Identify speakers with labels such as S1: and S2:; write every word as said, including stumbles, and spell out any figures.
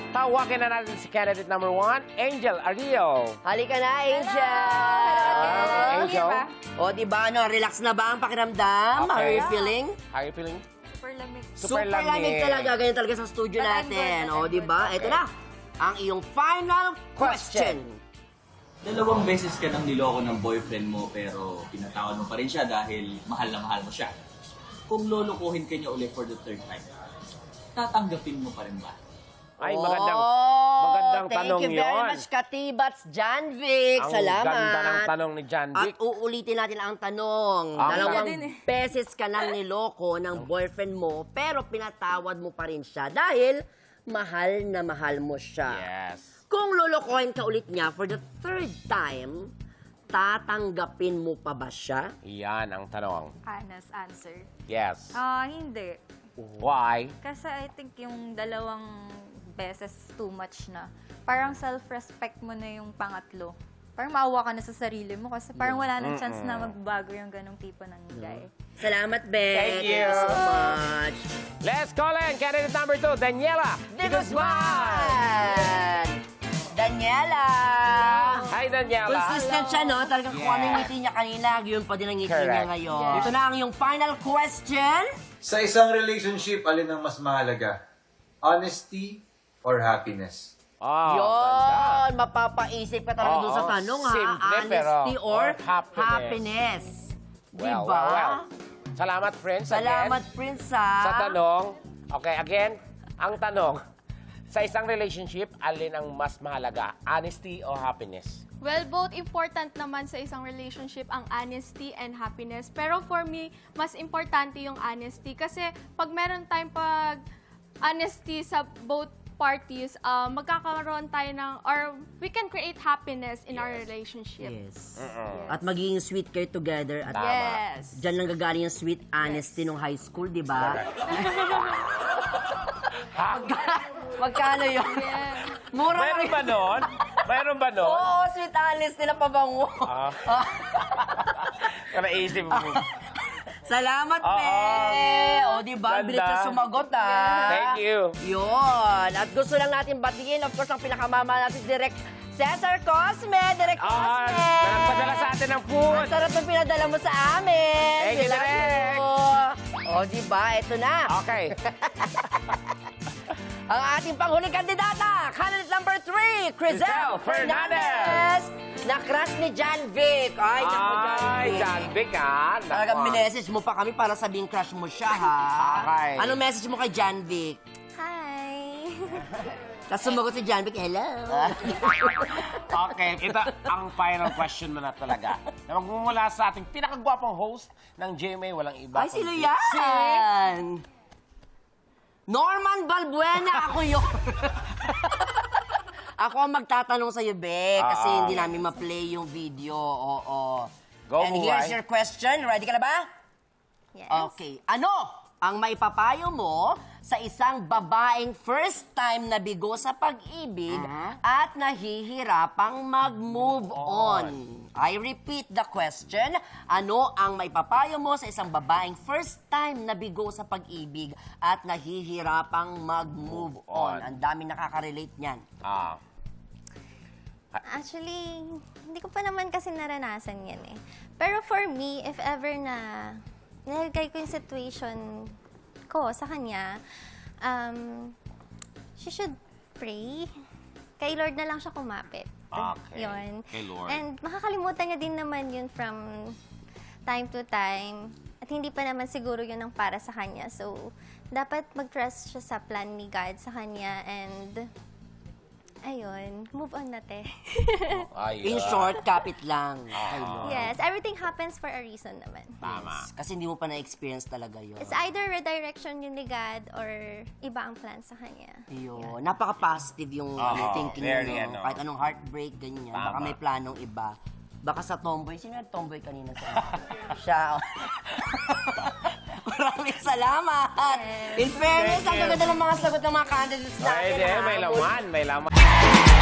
S1: Tawakin na natin si candidate number one, Angel Ario.
S2: Halika na, Angel!
S1: Okay, Angel.
S2: O, di ba, ano, relax na ba ang pakiramdam?
S1: Okay.
S2: How are you feeling?
S1: How are you feeling?
S3: Super lamig.
S1: Super
S2: lamig
S1: lamig.
S2: talaga. Ganyan talaga sa studio
S3: But I'm
S2: natin.
S3: good, but
S2: O,
S3: I'm
S2: di ba?
S1: good.
S2: Ito na, ang iyong final question.
S4: Dalawang beses ka nang niloko ng boyfriend mo pero pinatawad mo pa rin siya dahil mahal na mahal mo siya. Kung lolokohin ka niya ulit for the third time, tatanggapin mo pa rin ba?
S1: Ay, magandang,
S2: Oh,
S1: magandang tanong
S2: thank you very
S1: yun.
S2: much, Katibats Janvic.
S1: Ang
S2: Salamat.
S1: ganda ng tanong ni John
S2: At
S1: Vic.
S2: uulitin natin ang tanong.
S1: Ah,
S2: Dalawang
S3: din eh.
S2: beses ka nang niloko ng boyfriend mo, pero pinatawad mo pa rin siya dahil mahal na mahal mo siya.
S1: Yes.
S2: Kung lolokohin ka ulit niya for the third time, tatanggapin mo pa ba siya?
S1: Yan ang tanong.
S3: Honest answer.
S1: Yes.
S3: Ah, hindi.
S1: Why?
S3: Kasi I think yung dalawang beses too much na. Parang self-respect mo na yung pangatlo. Parang maawa ka na sa sarili mo kasi parang wala nang chance na magbago yung ganong tipo ng guy.
S2: Salamat, Beth.
S1: Thank you.
S2: so much.
S1: Let's call in candidate number two, Daniela
S2: De
S1: De Guzman.
S2: Guzman! Daniela!
S1: Hi, Daniela.
S2: Consistent siya, no? Talagang kung
S1: Yeah.
S2: ano yung ngiti niya kanina, yun pa din ang ngiti niya
S1: Correct.
S2: ngayon.
S3: Yeah.
S2: Ito na ang yung final question.
S5: Sa isang relationship, alin ang mas mahalaga? Honesty or happiness?
S1: Oh, ganda.
S2: Yun! Mapapaisip ka talaga
S1: Oo,
S2: doon sa tanong, ha?
S1: simple,
S2: Honesty
S1: pero-
S2: or,
S1: or happiness.
S2: happiness.
S1: Well,
S2: Diba?
S1: well, well. Salamat, friends.
S2: Salamat,
S1: again,
S2: Prince, ha?
S1: sa tanong. Okay, again, ang tanong. Sa isang relationship, alin ang mas mahalaga? Honesty or happiness?
S6: Well, both important naman sa isang relationship ang honesty and happiness. Pero for me, mas importante yung honesty. Kasi pag meron tayong pag honesty sa both parties, uh, magkakaroon tayo ng, or we can create happiness in our relationship.
S2: Yes.
S1: Uh-uh.
S2: At magiging sweet kayo together. At
S6: Yes.
S2: Diyan lang gagaling yung sweet honesty nung high school, di ba? Magkano yun?
S6: Yeah.
S2: Mura
S1: Mayroon
S2: lang
S1: ba nun? Mayroon ba nun?
S2: Oo, sweet honesty na pabango.
S1: Ah. Naisip mo.
S2: Salamat,
S1: Oo.
S2: Pe! O, di ba?
S1: Ganda.
S2: Bilis ka sumagot, ah.
S1: Thank you.
S2: Yun. At gusto lang natin batiin, of course, ang pinakamama natin, Direk Cesar Cosme. Direk
S1: Ah,
S2: Cosme.
S1: nagpadala sa atin ng food.
S2: Ang sarap ng pinadala mo sa amin.
S1: Thank you,
S2: We love
S1: Direk.
S2: you. O, di ba? Ito na.
S1: Okay.
S2: Ang ating panghuling kandidata, candidate number three, Crizel
S1: Crizel
S2: Fernandez. Na-crush ni John Vic. Ay, naku, John
S1: Ay,
S2: Vic.
S1: John Vic, ha?
S2: Talagang
S1: Naku.
S2: minessage mo pa kami para sabihin crush mo siya, ha?
S1: Okay.
S2: Anong message mo kay John Vic?
S3: Hi!
S2: Tapos sumagot si John Vic, hello.
S1: Okay, ito ang final question mo na talaga. Na magmumula sa ating pinakagwapong host ng G M A, walang iba.
S2: Ay, sino
S1: kundi
S2: yan? Norman Balbuena, ako yun. Ako ang magtatanong sa'yo, Bek, kasi
S1: Ah.
S2: hindi namin ma-play yung video. Oo.
S1: Go,
S2: And
S1: Buhay.
S2: here's your question. Ready ka na ba?
S3: Yes.
S2: Okay. Ano ang maipapayo mo sa isang babaeng first time na bigo sa pag-ibig at nahihirapang mag-move on? I repeat the question. Ano ang maipapayo mo sa isang babaeng first time na bigo sa pag-ibig at nahihirapang mag-move on?
S1: on.
S2: Ang daming nakaka-relate niyan.
S1: Ah.
S7: Actually, hindi ko pa naman kasi naranasan yan eh. Pero for me, if ever na nilagay ko yung situation ko sa kanya, um, she should pray. Kay Lord na lang siya kumapit.
S1: Okay.
S7: Yun.
S1: Kay Lord.
S7: And makakalimutan niya din naman yun from time to time. At hindi pa naman siguro yun ang para sa kanya. So, dapat mag-trust siya sa plan ni God sa kanya and ayun, move on na te.
S1: Ay,
S2: In
S1: ah.
S2: short, kapit lang. Kay Lord.
S7: Yes, everything happens for a reason naman.
S1: Tama.
S2: Kasi hindi mo pa na-experience talaga yun.
S7: It's either redirection yun ni God or iba ang plan sa kanya.
S2: Yun. Napaka-positive yung
S1: Oo,
S2: ano, thinking
S1: very
S2: nyo.
S1: ano.
S2: Kahit anong heartbreak, ganyan.
S1: Tama.
S2: Baka may planong iba. Baka sa tomboy. Sino yung tomboy kanina sa siya? Maraming salamat! In fairness, ang
S1: Thank you.
S2: gaganda ng mga sagot ng mga candidates natin.
S1: Pwede,
S2: ha?
S1: may laman, may laman.